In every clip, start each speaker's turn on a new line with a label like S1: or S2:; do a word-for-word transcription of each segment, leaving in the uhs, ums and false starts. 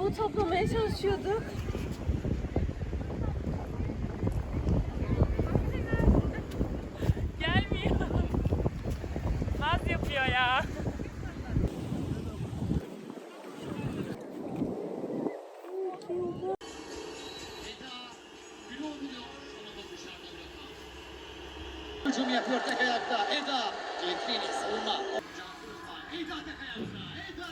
S1: Onu toplamaya çalışıyorduk.
S2: Gelmiyor. Naz yapıyor ya.
S3: Hücum yapıyor tek ayakta. Eda. Cetrini savunma. Eda tek ayakta. Eda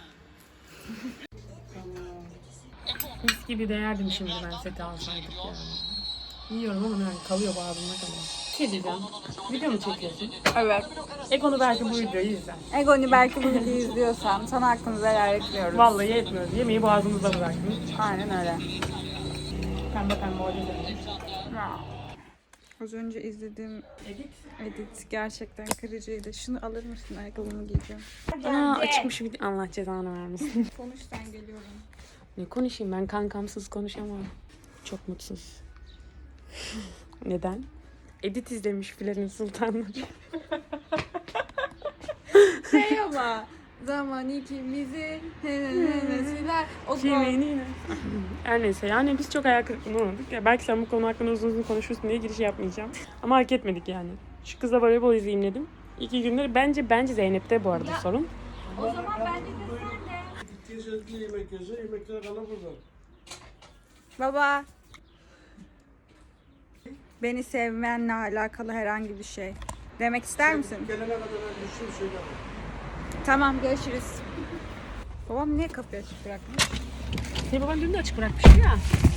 S3: Erdem.
S2: Mis gibi değerdim şimdi ben seti alsaydık yani. Yiyorum ama yani kalıyor boğazımda kalıyor. Bir şey diyeceğim. Video mu çekiyorsun?
S1: Evet.
S2: Ekonu belki bu videoyu izler.
S1: Egoni belki bu videoyu izliyorsam sana hakkımızı helal etmiyoruz.
S2: Vallahi yetmiyoruz. Yemeği boğazımızda bıraktım.
S1: Aynen öyle.
S2: Pembe pembe orada izledim.
S1: Az önce izlediğim
S2: Edit.
S1: edit gerçekten kırıcıydı. Şunu alır mısın? Ayakkabımı giyeceğim.
S2: Aa açıkmış video. Allah cezanı vermesin.
S1: Konuş sen geliyorum.
S2: Ne konuşayım ben kankamsız konuşamam. Çok mutsuz. Neden? Edit izlemiş Filenin Sultanları.
S1: Şey ama zaman ikimizi siler. O
S2: Kiminine? Her neyse yani biz çok ayak kırıklığına uğradık. Ya belki sen bu konu hakkında uzun uzun konuşursun diye giriş yapmayacağım. Ama hak etmedik yani. Şu kızla voleybol izleyeyim dedim. İki gündür bence bence Zeynep'te bu arada sorun.
S1: O zaman bence de sen de.
S4: Gittiği sözlü yemek yiyorsa yemekler kalır burada.
S1: Baba. Beni sevmenle alakalı herhangi bir şey demek ister misin?
S4: Gelene kadar ben düştüm söyleme.
S1: Tamam, görüşürüz. Babam niye kapıyı açık bırakmış?
S2: Senin baban dün de açık bırakmıştı ya.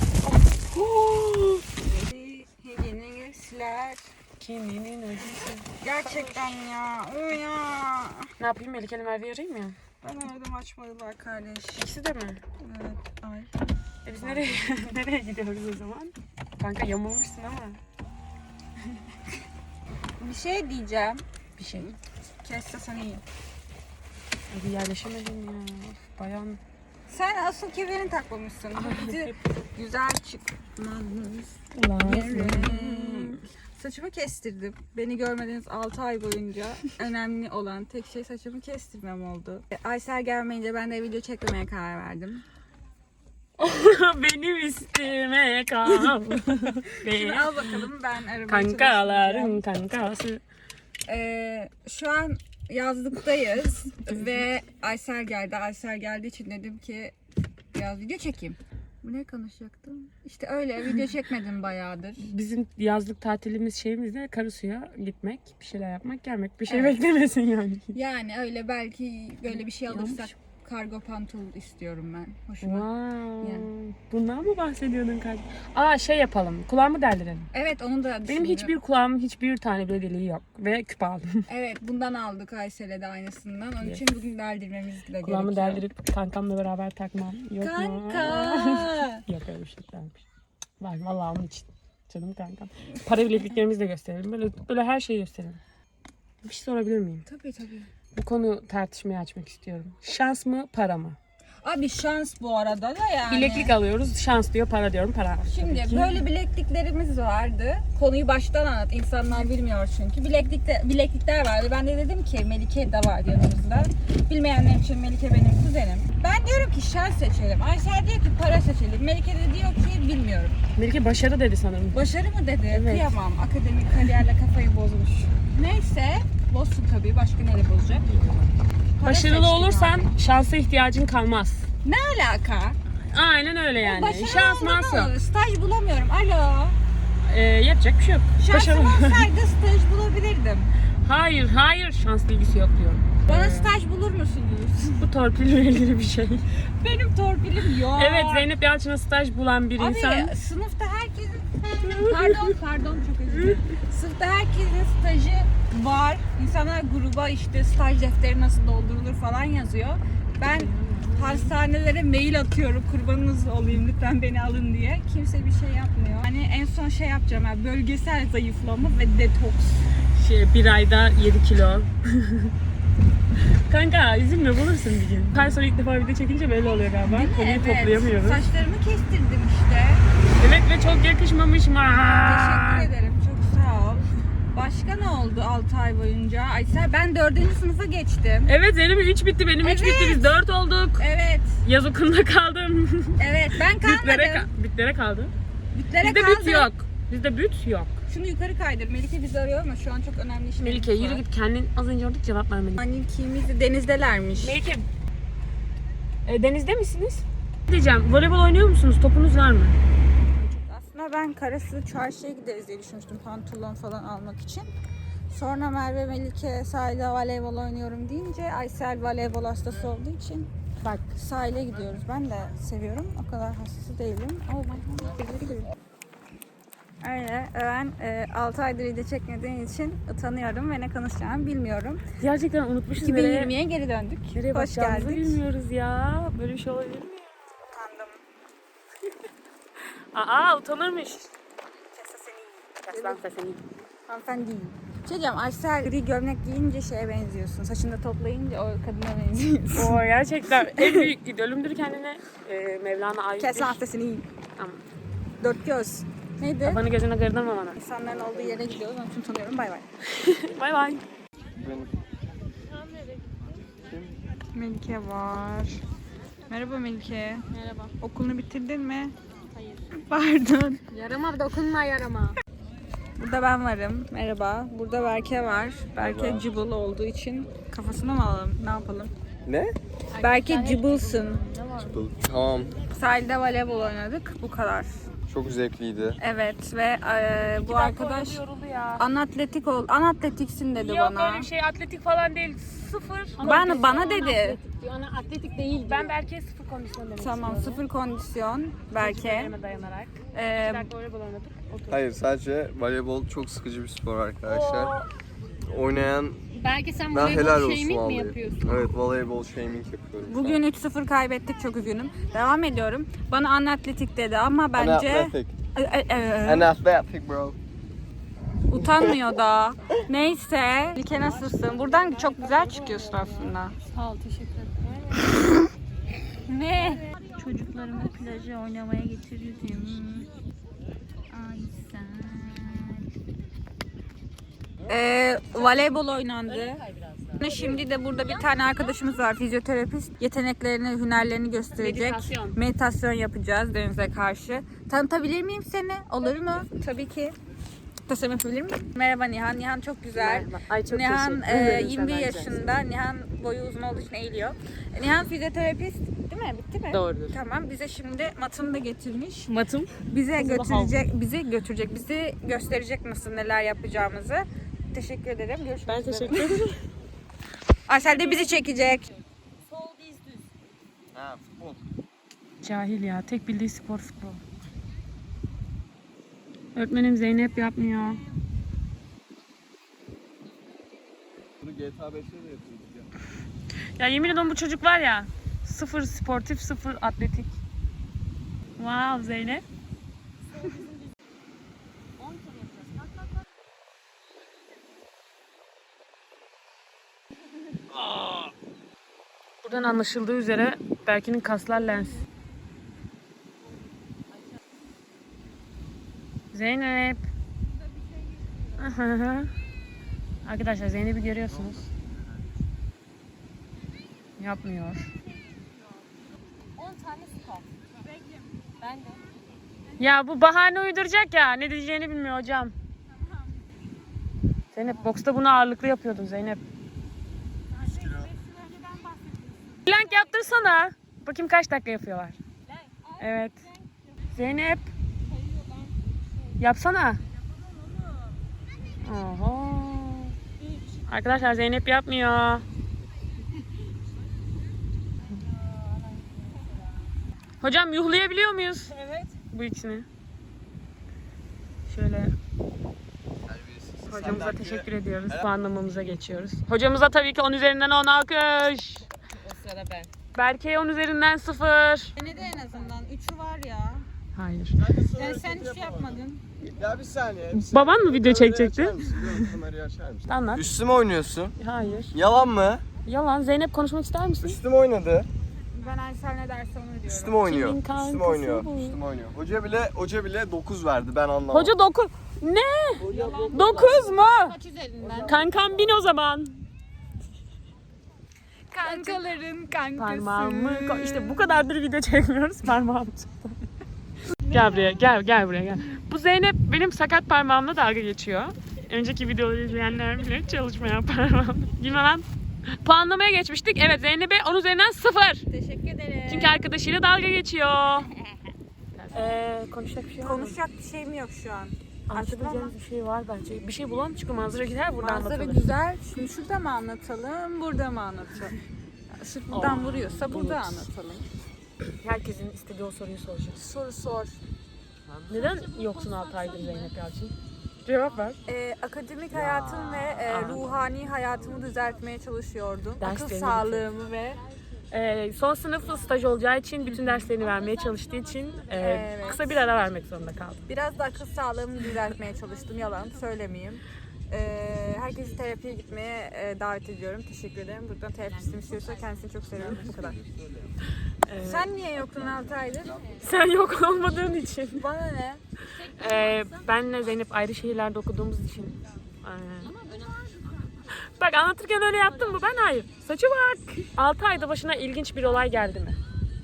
S1: Yeni siler.
S2: Kiminin acısı.
S1: Gerçekten ya. O ya.
S2: Ne yapayım Melike'yle Merve'yi arayayım ya.
S1: Ben aradım, açmadılar kardeş.
S2: İkisi de mi?
S1: Evet. Ay.
S2: E biz nereye nereye gidiyoruz o zaman? Kanka yamulmuşsun ama.
S1: Bir şey diyeceğim.
S2: Bir şey.
S1: Kesse sen iyi.
S2: Hadi yerleşemedim ya. Of, bayan.
S1: Sen asıl kemerini takmamışsın. Bizi güzel çıkmadınız. Saçımı kestirdim. Beni görmediğiniz altı ay boyunca önemli olan tek şey saçımı kestirmem oldu. Aysel gelmeyince ben de video çekmemeye karar verdim.
S2: Benim isteme kal.
S1: Şimdi al bakalım, ben arabayı
S2: Kankaların kankası.
S1: Ee, şu an yazlıktayız ve Aysel geldi. Aysel geldiği için dedim ki biraz video çekeyim. Bu ne konuşacaktım? İşte öyle video çekmedim bayağıdır.
S2: Bizim yazlık tatilimiz şeyimiz de Karasu'ya gitmek, bir şeyler yapmak, gelmek. Bir şey
S1: Evet.
S2: beklemesin yani.
S1: Yani öyle belki böyle bir şey alırsak
S2: Yanlış.
S1: kargo pantol istiyorum ben. Hoşuma.
S2: Wow.
S1: Yani.
S2: Bundan mı bahsediyordun kardeşim? Aa şey yapalım, kulağımı deldirelim.
S1: Evet, onu da
S2: Benim
S1: düşündüm.
S2: hiçbir kulağımın hiçbir tane bile deliği yok ve küp aldım.
S1: Evet, bundan aldık Aysel'e de aynısından. Onun
S2: Yes.
S1: için bugün deldirmemiz de
S2: Kulağımı
S1: gerekiyor.
S2: deldirip kankamla beraber takmam. Yok mu?
S1: Kanka.
S2: Yok öyle bir şey varmış. Var vallahi onun için. Canım kankam. Para bilekliklerimizi de gösterelim. Böyle, böyle her şeyi gösterelim. Bir şey sorabilir miyim?
S1: Tabii tabii.
S2: Bu konu tartışmaya açmak istiyorum. Şans mı para mı?
S1: Abi şans bu arada da yani.
S2: Bileklik alıyoruz. Şans diyor, para diyorum. Para.
S1: Şimdi
S2: Tabii ki.
S1: böyle bilekliklerimiz vardı. Konuyu baştan anlat. İnsanlar bilmiyor çünkü. Bileklikte, bileklikler vardı. Ben de dedim ki Melike de var yanımızda. Bilmeyenler için Melike benim kuzenim. Ben diyorum ki şans seçelim. Aysel diyor ki para seçelim. Melike de diyor ki bilmiyorum.
S2: Melike başarı dedi sanırım.
S1: Başarı mı dedi?
S2: Evet.
S1: Kıyamam. Akademik kariyerle kafayı bozmuş. Neyse. Bozsun tabii. Başka neyle bozacak? Para
S2: Başarılı
S1: seçtik
S2: olursan
S1: abi.
S2: şansa ihtiyacın kalmaz.
S1: Ne alaka?
S2: Aynen öyle yani.
S1: Başarılı
S2: Şans
S1: olmadan
S2: mans yok.
S1: olur. Staj bulamıyorum. Alo.
S2: Ee, yapacak bir şey yok.
S1: Şansım
S2: Başarılı.
S1: olsaydı staj bulabilirdim.
S2: Hayır, hayır. Şans bilgisi yok diyorum.
S1: Bana
S2: Ee,
S1: staj bulur musunuz?
S2: Bu torpil ilgili bir şey.
S1: Benim torpilim yok.
S2: Evet, Zeynep Yalçın'a staj bulan bir
S1: Abi
S2: insan.
S1: sınıfta herkesin... Pardon, pardon çok özür dilerim. Sınıfta herkesin stajı var. İnsanlar gruba işte staj defteri nasıl doldurulur falan yazıyor. Ben hastanelere mail atıyorum, kurbanınız olayım lütfen beni alın diye. Kimse bir şey yapmıyor. Hani en son şey yapacağım yani bölgesel zayıflama ve detoks.
S2: Şey, bir ayda yedi kilo. Kanka üzülme, bulursun bir gün. Her sonra ilk defa video çekince böyle oluyor galiba. Konuyu
S1: Evet,
S2: toplayamıyoruz.
S1: saçlarımı kestirdim işte.
S2: Evet ve çok yakışmamış mı?
S1: Teşekkür ederim, çok sağ ol. Başka ne oldu altı ay boyunca? Aysel ben dördüncü sınıfa geçtim.
S2: Evet, Zeynep'in üç bitti, benim üç
S1: Evet.
S2: bitti, biz dört olduk.
S1: Evet.
S2: Yaz okulunda kaldım.
S1: Evet ben
S2: Bütlere,
S1: kalmadım.
S2: ka- bütlere kaldı.
S1: Bütlere
S2: Bizde
S1: kaldım.
S2: büt yok. Bizde büt yok.
S1: Şunu yukarı kaydır. Melike bizi arıyor ama şu an çok önemli işlerimiz
S2: Melike
S1: var.
S2: yürü git, kendin az önce orada cevap vermedin.
S1: Annem ikimiz de denizdelermiş.
S2: Melike, e, denizde misiniz? Diyeceğim, voleybol oynuyor musunuz? Topunuz var mı?
S1: Aslında ben Karasu çarşıya gideriz diye düşünmüştüm pantolon falan almak için. Sonra Merve Melike sahilde voleybol oynuyorum deyince Aysel voleybol hastası olduğu için bak sahile gidiyoruz. Ben de seviyorum. O kadar hastası değilim. Oh my god. Öyle. Ben e, altı aydır video çekmediğim için utanıyorum ve ne konuşacağımı bilmiyorum.
S2: Gerçekten unutmuşuz.
S1: iki bin yirmiye geri döndük.
S2: Nereye
S1: Hoş
S2: bakacağımızı
S1: geldik.
S2: bilmiyoruz ya. Böyle bir şey olabilir mi?
S1: Utandım.
S2: Aa, utanırmış.
S1: Kesa seni.
S2: Kes lan sesini.
S1: Hanımefendi değil. Şey diyeceğim, Aysel gri gömlek giyince şeye benziyorsun. Saçını da toplayınca o kadına benziyorsun.
S2: Oo, gerçekten en büyük idolümdür kendine. Ee, Mevlana ait.
S1: Kes
S2: bir-
S1: lan sesini iyi.
S2: Tamam.
S1: Dört göz. Neydi?
S2: Kafanı gözüne kırdırma bana.
S1: İnsanların olduğu yere gidiyoruz. Onun için tanıyorum. Bay bay.
S2: Bay bay.
S1: Melike var. Merhaba Melike.
S2: Merhaba.
S1: Okulunu bitirdin mi?
S2: Hayır.
S1: Pardon.
S2: Yarama dokunma yarama.
S1: Burada ben varım. Merhaba. Burada Berke var. Berke cıbıl olduğu için kafasına mı alalım? Ne yapalım?
S5: Ne?
S1: Berke cıbılsın.
S5: Tamam.
S1: Sahilde voleybol oynadık. Bu kadar.
S5: Çok zevkliydi.
S1: Evet ve e, bu arkadaş
S2: yoruldu ya.
S1: anatletik ol. Anatletiksin dedi
S2: Yok
S1: bana.
S2: öyle bir şey, atletik falan değil. Sıfır.
S1: Ben bana dedi.
S2: Ona atletik değil. Ben Berke'ye sıfır kondisyon demek
S1: Tamam,
S2: istiyorum.
S1: sıfır kondisyon Berke.
S2: Tecrübelerime dayanarak.
S1: Ee,
S2: İki dakika voleybol oynadık. Otur.
S5: Hayır, sadece voleybol çok sıkıcı bir spor arkadaşlar. Oynayan
S6: Belki sen
S5: ben helal
S6: voleybol
S5: olsun
S6: shaming mi
S5: vallahi.
S6: yapıyorsun?
S5: Evet, voleybol shaming yapıyorum.
S1: bugün üç sıfır kaybettik, çok üzgünüm. Devam ediyorum. Bana anatletik dedi ama bence
S5: Anathletic.
S1: E, e, e,
S5: Anathletic bro.
S1: utanmıyor da. Neyse. Melike nasılsın? Buradan çok güzel çıkıyorsun aslında.
S6: Sağ ol, teşekkür ederim.
S1: Ne?
S6: Çocuklarımı plaja oynamaya getirdim. Ay sen.
S1: Ee, voleybol oynandı. Şimdi de burada bir tane arkadaşımız var, fizyoterapist. Yeteneklerini, hünerlerini gösterecek.
S2: Meditasyon.
S1: Meditasyon yapacağız denize karşı. Tanıtabilir miyim seni? Olur mu? Tabii ki. Tasarım yapabilir miyim? Merhaba Nihan. Nihan çok güzel.
S2: Merhaba. Ay, çok
S1: Nihan
S2: teşekkür
S1: e,
S2: ederim.
S1: yirmi bir
S2: Sen de
S1: yaşında. Nihan boyu uzun olduğu için eğiliyor. Nihan fizyoterapist değil mi? Bitti mi?
S2: Doğrudur.
S1: Tamam. Bize şimdi matını da getirmiş.
S2: Matım.
S1: Bize
S2: Kızılı
S1: götürecek, bizi götürecek, bizi gösterecek nasıl neler yapacağımızı. Teşekkür ederim. Görüşmek
S2: Ben
S1: üzere.
S2: teşekkür ederim.
S1: Aysel de bizi çekecek.
S5: Ha, futbol.
S2: Cahil ya. Tek bildiği spor futbol. Öğretmenim Zeynep yapmıyor.
S5: Bunu G T A beşte de yapıyorduk
S2: Ya
S5: ya.
S2: yemin ediyorum bu çocuk var ya. Sıfır sportif, sıfır atletik. Wow Zeynep. Buradan anlaşıldığı üzere Berke'nin kaslar lens. Zeynep. Arkadaşlar Zeynep'i görüyorsunuz. Yapmıyor. Ya bu bahane uyduracak ya. Ne diyeceğini bilmiyor hocam. Zeynep boksta bunu ağırlıklı yapıyordun Zeynep. Plank yaptırsana. Bakayım kaç dakika yapıyorlar. Evet. Zeynep. Yapsana. Oho. Arkadaşlar Zeynep yapmıyor. Hocam yuhlayabiliyor muyuz?
S1: Evet.
S2: Bu ikisini. Şöyle hocamıza teşekkür ediyoruz. Puanlamamıza geçiyoruz. Hocamıza tabii ki on üzerinden on alkış.
S6: O sırada ben.
S2: Berke'ye on üzerinden sıfır.
S1: Beni de en azından üçü var ya.
S2: Hayır.
S1: Yani sen hiç şey yapmadın.
S5: Ya bir saniye. Bir saniye.
S2: Baban mı video
S5: Kamerayı
S2: çekecekti?
S5: açar mısın? Yok, kamerayı açar mısın?
S2: Anlat.
S5: Üstüme oynuyorsun.
S2: Hayır.
S5: Yalan mı?
S2: Yalan. Zeynep konuşmak ister misin?
S5: Üstüme oynadı.
S1: Ben Aysel ne derse onu diyorum.
S5: Üstüme oynuyor.
S2: Kimin kankası
S5: Üstüme oynuyor.
S2: bu?
S5: Üstüme oynuyor. Hoca bile hoca bile dokuz verdi. Ben anlamadım.
S2: Hoca dokuz. Ne? dokuz mu?
S6: Kaç üzerinden?
S2: Kankam bin o zaman.
S1: Kankaların kankası.
S2: Parmağımı ko- işte bu kadardır video çekmiyoruz. Parmağım çıktı. Gel buraya, gel gel buraya gel. Bu Zeynep benim sakat parmağımla dalga geçiyor. Önceki videoları izleyenler bilir çalışmayan parmağım. Gülme lan. Puanlamaya geçmiştik. Evet Zeynep'e on üzerinden sıfır.
S1: Teşekkür ederim.
S2: Çünkü arkadaşıyla dalga geçiyor. Eee konuşacak bir şey var mı?
S1: Konuşacak bir şeyim yok şu an.
S2: Anlatabileceğimiz bir şey var bence. Bir şey bulalım çünkü manzara gider burada
S1: Manzara
S2: anlatılır.
S1: güzel. Şimdi şurada mı anlatalım, burada mı anlatalım? Sırf buradan vuruyorsa burada anlatalım.
S2: Herkesin istediği o soruyu soracağız.
S1: Soru sor.
S2: Neden yoksun altı aydır Zeynep Yalçın? Cevap ver.
S1: Ee, akademik hayatım ve e,
S2: Aa.
S1: ruhani hayatımı düzeltmeye çalışıyordum. Akıl
S2: Derslerini
S1: sağlığımı ve
S2: Ee, son sınıf staj olacağı için bütün derslerini vermeye çalıştığı için e,
S1: Evet.
S2: kısa bir ara vermek zorunda kaldım.
S1: biraz da akıl sağlığımı düzeltmeye çalıştım. Yalan söylemeyeyim. Ee, herkesi terapiye gitmeye e, davet ediyorum. Teşekkür ederim. Buradan terapistim istiyorsa kendisini çok seviyorum. Bu kadar.
S2: Ee,
S1: Sen niye yoktun altı aydır?
S2: sen yok olmadığın için.
S1: Bana ne?
S2: Ee, benle Zeynep ayrı şehirlerde okuduğumuz için. Aynen. Bak anlatırken öyle yaptın mı? Ben hayır. Saçı bak. altı ayda başına ilginç bir olay geldi mi?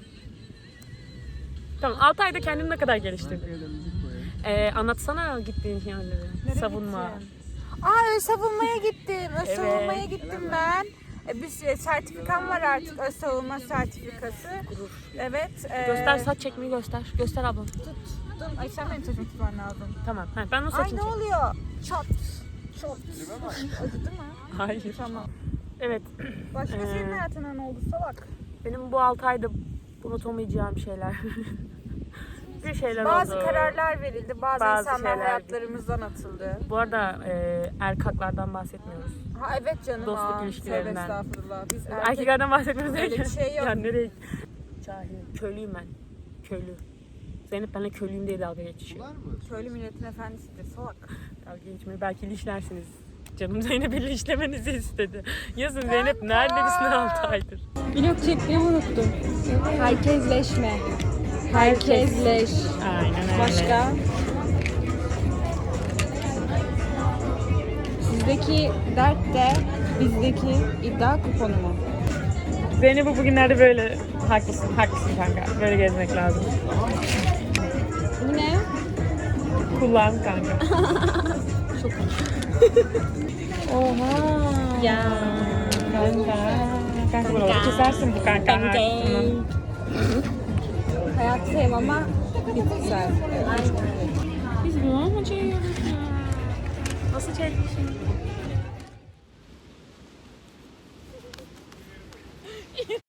S2: Tamam altı ayda kendini ne kadar geliştirdin? Ee, anlatsana gittiğin yerleri.
S1: Nereye
S2: Savunma.
S1: gittin? Aa öz savunmaya gittim. Öz
S2: Evet.
S1: savunmaya gittim ben. E, bir şey- sertifikam var artık, öz savunma sertifikası. Evet. e,
S2: Göster saç çekmeyi göster. Göster ablam.
S1: Tuttum. Ay sen benim saçımı tutman lazım.
S2: Tamam. Ha, ben o
S1: Ay
S2: saçını
S1: ne
S2: çek.
S1: oluyor? Çat. Çat. Acıdı mı?
S2: Hayır.
S1: Tamam.
S2: Evet.
S1: Başka
S2: Ee,
S1: senin hayatına ne oldu salak?
S2: Benim bu altı ayda unutamayacağım şeyler. bir şeyler
S1: Bazı
S2: oldu.
S1: kararlar verildi, bazı,
S2: Bazı
S1: insanlar
S2: şeyler-
S1: hayatlarımızdan atıldı.
S2: Bu arada e, erkaklardan bahsetmiyoruz.
S1: Ha evet canım.
S2: Dostluk
S1: aa,
S2: ilişkilerinden.
S1: tövbe estağfurullah. Biz erkek...
S2: Erkeklerden bahsetmiyoruz
S1: Öyle
S2: derken.
S1: bir şey yok.
S2: Ya nereye? Cahil. Köylüyüm ben. Köylü. Zeynep benimle köylüyüm diye dalga geçiyor.
S1: Köylü milletin efendisidir salak.
S2: Dalga geçmeyi belki linçlersiniz. Canım Zeynep'i linçlemenizi istedi. Yazın Zeynep neredesin altı aydır?
S1: Vlog çekmeyi unuttum. Herkesleşme. Herkesleş.
S2: Aynen öyle.
S1: Başka? Sizdeki dert de bizdeki iddia kuponu mu?
S2: Zeynep'i bugünlerde böyle haklısın, haklısın kanka. Böyle gezmek lazım.
S1: Bu ne?
S2: Kullan kanka.
S1: Oha.
S6: Ya.
S2: Kanka. Kanka bunu kesersin bu kanka. Haklısın.
S1: Hayattayım ama bitkisel.
S2: Biz bunu mu çekiyoruz ya? Nasıl çekmişim?